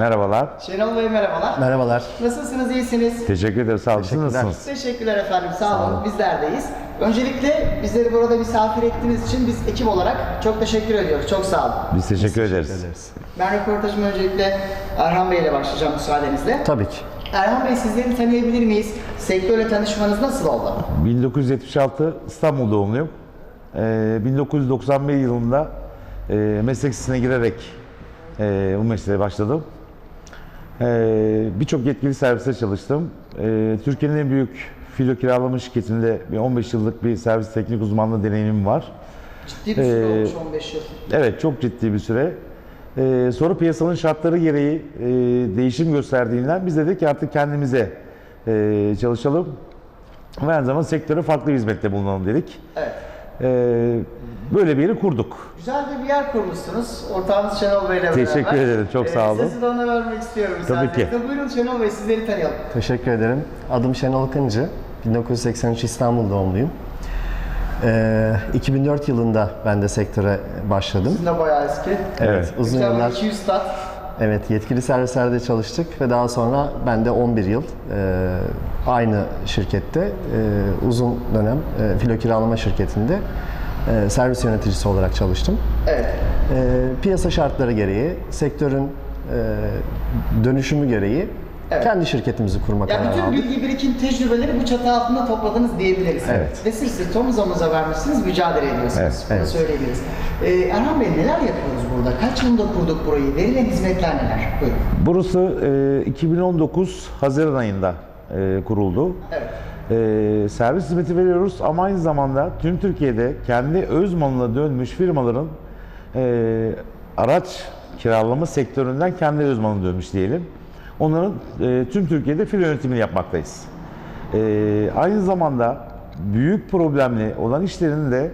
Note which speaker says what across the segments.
Speaker 1: Merhabalar.
Speaker 2: Şenol Bey merhabalar.
Speaker 3: Merhabalar.
Speaker 2: Nasılsınız, iyisiniz?
Speaker 1: Teşekkür ederim. Sağ olun. Siz
Speaker 3: Teşekkürler.
Speaker 1: nasılsınız?
Speaker 2: Teşekkürler efendim, sağ olun. Bizlerdeyiz. Öncelikle bizleri burada misafir ettiğiniz için biz ekip olarak çok teşekkür ediyoruz. Çok sağ olun.
Speaker 1: Biz teşekkür ederiz.
Speaker 2: Ben röportajıma öncelikle Erhan Bey ile başlayacağım müsaadenizle.
Speaker 3: Tabii ki.
Speaker 2: Erhan Bey, sizleri tanıyabilir miyiz? Sektörle tanışmanız nasıl oldu?
Speaker 1: 1976 İstanbul doğumluyum. 1991 yılında meslek lisesine girerek bu mesleğe başladım. Birçok yetkili serviste çalıştım. Türkiye'nin en büyük filo kiralama şirketinde 15 yıllık bir servis teknik uzmanlığı deneyimim var.
Speaker 2: Ciddi bir süre olmuş, 15 yıl.
Speaker 1: Evet, çok ciddi bir süre. Sonra piyasanın şartları gereği değişim gösterdiğinden biz dedik ki artık kendimize çalışalım ve aynı zamanda sektöre farklı bir hizmette bulunalım dedik.
Speaker 2: Evet.
Speaker 1: Böyle bir yeri kurduk.
Speaker 2: Güzel de bir yer kurmuşsunuz. Ortağınız Şenol Bey ile beraber.
Speaker 1: Teşekkür ederim, çok sağ olun.
Speaker 2: Sözü de ona vermek istiyorum.
Speaker 1: Tabii ki.
Speaker 2: Buyurun Şenol Bey, sizleri tanıyalım.
Speaker 3: Teşekkür ederim. Adım Şenol Kıncı. 1983 İstanbul doğumluyum. 2004 yılında ben de sektöre başladım.
Speaker 2: Sizin de bayağı eski.
Speaker 1: Evet.
Speaker 3: Uzun
Speaker 2: Güzel,
Speaker 3: yıllar
Speaker 2: 200 stat.
Speaker 3: yetkili servislerde çalıştık ve daha sonra ben de 11 yıl aynı şirkette uzun dönem filo kiralama şirketinde servis yöneticisi olarak çalıştım.
Speaker 2: Evet.
Speaker 3: Piyasa şartları gereği, sektörün dönüşümü gereği kendi şirketimizi kurma
Speaker 2: Ya
Speaker 3: kararı
Speaker 2: bütün
Speaker 3: aldık.
Speaker 2: bilgi birikim tecrübeleri bu çatı altında topladınız diyebiliriz.
Speaker 1: Evet.
Speaker 2: Ve siz omuz omuza vermişsiniz, mücadele ediyorsunuz.
Speaker 1: Evet,
Speaker 2: Bunu
Speaker 3: evet.
Speaker 2: söyleyebiliriz. Erhan Bey, neler yapıyoruz burada? Kaç yılında kurduk burayı? Verilen hizmetler neler? Buyurun.
Speaker 1: Burası 2019 Haziran ayında kuruldu.
Speaker 2: Evet.
Speaker 1: Servis hizmeti veriyoruz ama aynı zamanda tüm Türkiye'de kendi öz malına dönmüş firmaların araç kiralama sektöründen kendi öz malına dönmüş diyelim. Onların tüm Türkiye'de filo yönetimini yapmaktayız. Aynı zamanda büyük problemli olan işlerini de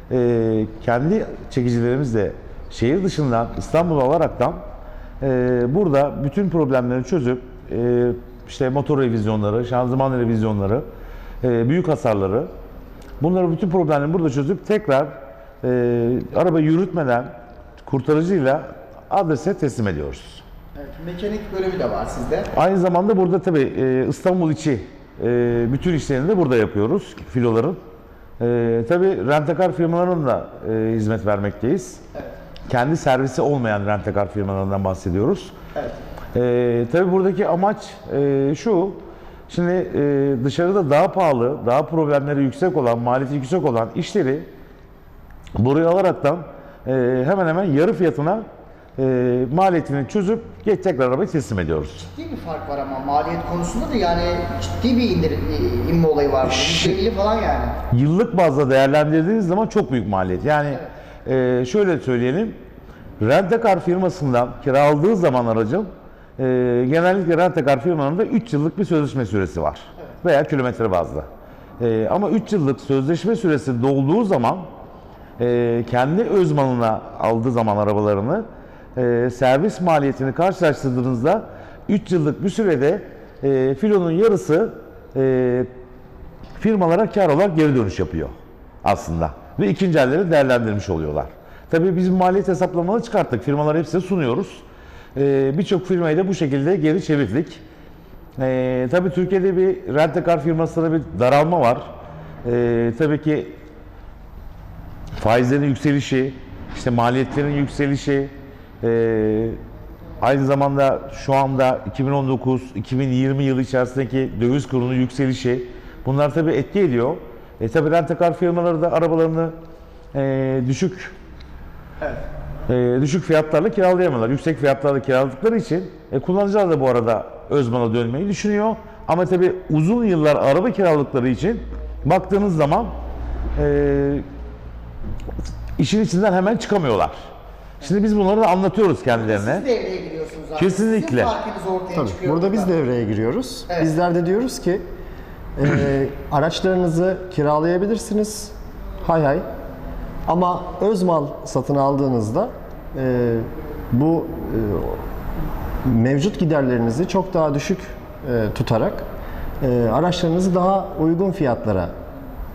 Speaker 1: kendi çekicilerimizle şehir dışından İstanbul alaraktan burada bütün problemleri çözüp işte motor revizyonları, şanzıman revizyonları, büyük hasarları, bunları bütün problemleri burada çözüp tekrar arabayı yürütmeden kurtarıcıyla adrese teslim ediyoruz.
Speaker 2: Evet, mekanik bölümü de var sizde.
Speaker 1: Aynı zamanda burada tabii İstanbul içi bütün işlerini de burada yapıyoruz filoların. Tabii rent-a-car firmalarının da hizmet vermekteyiz.
Speaker 2: Evet.
Speaker 1: Kendi servisi olmayan rent-a-car firmalarından bahsediyoruz.
Speaker 2: Evet.
Speaker 1: Tabii buradaki amaç şu, şimdi dışarıda daha pahalı, daha problemleri yüksek olan, maliyeti yüksek olan işleri buraya alaraktan hemen hemen yarı fiyatına maliyetini çözüp tekrar arabayı teslim ediyoruz.
Speaker 2: Ciddi bir fark var ama maliyet konusunda da yani ciddi bir inme olayı var. %50 falan yani.
Speaker 1: Yıllık bazda değerlendirdiğiniz zaman çok büyük maliyet. Yani şöyle söyleyelim, rent-a-car firmasından kiraladığı zaman aracın genellikle rent-a-car firmalarında 3 yıllık bir sözleşme süresi var. Veya kilometre bazlı. Ama 3 yıllık sözleşme süresi dolduğu zaman kendi öz malına aldığı zaman arabalarını servis maliyetini karşılaştırdığınızda 3 yıllık bir sürede filonun yarısı firmalara kar olarak geri dönüş yapıyor aslında. Ve ikinci elleri değerlendirmiş oluyorlar. Tabii biz maliyet hesaplamaları çıkarttık. Firmalar hepsine sunuyoruz. Birçok firmayı da bu şekilde geri çevirdik. Tabii Türkiye'de bir rent-a-car firmasında bir daralma var. Tabii ki faizlerin yükselişi, işte maliyetlerin yükselişi, aynı zamanda şu anda 2019-2020 yılı içerisindeki döviz kurunun yükselişi, bunlar tabii etki ediyor. Tabii rent-a-car firmaları da arabalarını düşük fiyatlarla kiralayamıyorlar. Yüksek fiyatlarla kiraladıkları için kullanıcılar da bu arada öz mala dönmeyi düşünüyor. Ama tabii uzun yıllar araba kiraladıkları için baktığınız zaman işin içinden hemen çıkamıyorlar. Şimdi biz bunları da anlatıyoruz kendilerine.
Speaker 2: Siz devreye giriyorsunuz zaten.
Speaker 1: Kesinlikle.
Speaker 2: Sizin farkınız ortaya
Speaker 3: Tabii,
Speaker 2: çıkıyor.
Speaker 3: burada biz devreye giriyoruz.
Speaker 2: Evet.
Speaker 3: Bizler de diyoruz ki araçlarınızı kiralayabilirsiniz. Hay hay. Ama öz mal satın aldığınızda bu mevcut giderlerinizi çok daha düşük tutarak araçlarınızı daha uygun fiyatlara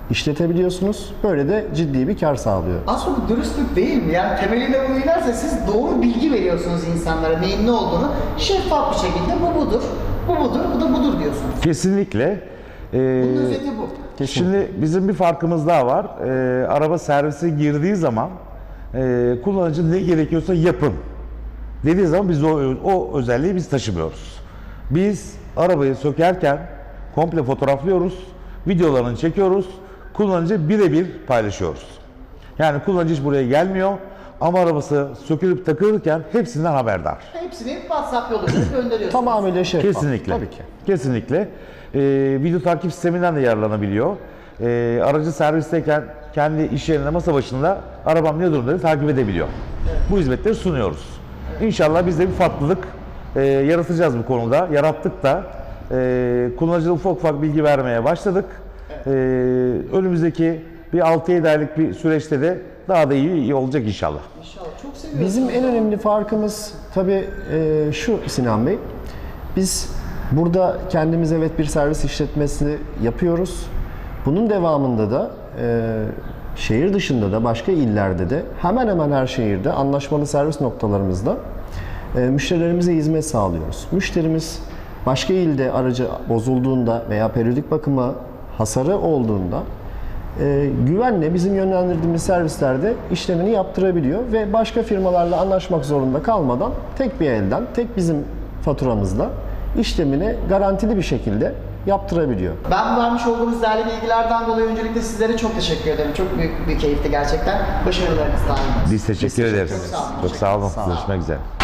Speaker 3: işletebiliyorsunuz. Böyle de ciddi bir kar sağlıyor.
Speaker 2: Aslında bu dürüstlük değil mi? Yani temelinde bunu inerse siz doğru bilgi veriyorsunuz insanlara neyin ne olduğunu. Şeffaf bir şekilde bu budur, bu budur, bu da budur diyorsunuz.
Speaker 1: Kesinlikle.
Speaker 2: Bunun özeti bu.
Speaker 1: Şimdi bizim bir farkımız daha var. Araba servise girdiği zaman kullanıcı ne gerekiyorsa yapın dediği zaman biz o özelliği biz taşımıyoruz. Biz arabayı sökerken komple fotoğraflıyoruz, videolarını çekiyoruz, kullanıcı birebir paylaşıyoruz. Yani kullanıcı hiç buraya gelmiyor ama arabası sökülüp takılırken hepsinden haberdar.
Speaker 2: Hepsini WhatsApp yoluyla gönderiyorsunuz.
Speaker 3: Tamamıyla şeffaf.
Speaker 1: Kesinlikle.
Speaker 3: Tabii ki.
Speaker 1: Kesinlikle. Video takip sisteminden de yararlanabiliyor. Aracı servisteyken kendi iş yerinde masa başında arabam ne durumda takip edebiliyor. Bu hizmetleri sunuyoruz. İnşallah biz de bir farklılık yaratacağız bu konuda. Yarattık da kullanıcıya ufak bilgi vermeye başladık. Önümüzdeki bir 6-7 aylık bir süreçte de daha da iyi olacak inşallah.
Speaker 2: İnşallah. Çok seviyorsunuz.
Speaker 3: Bizim en önemli farkımız tabii şu Sinan Bey. Biz burada kendimiz evet bir servis işletmesi yapıyoruz. Bunun devamında da şehir dışında da başka illerde de hemen hemen her şehirde anlaşmalı servis noktalarımızda müşterilerimize hizmet sağlıyoruz. Müşterimiz başka ilde aracı bozulduğunda veya periyodik bakıma hasarı olduğunda güvenle bizim yönlendirdiğimiz servislerde işlemini yaptırabiliyor ve başka firmalarla anlaşmak zorunda kalmadan tek bir elden, tek bizim faturamızla işlemini garantili bir şekilde yaptırabiliyor.
Speaker 2: Ben vermiş olduğunuz değerli bilgilerden dolayı öncelikle sizlere çok teşekkür ederim. Çok büyük bir keyifti gerçekten. Başarılarınız daim olsun.
Speaker 1: Biz teşekkür ederiz.
Speaker 2: Çok sağ olun.
Speaker 1: Çok sağ olun.
Speaker 3: Sağ olun.
Speaker 1: Görüşmek üzere.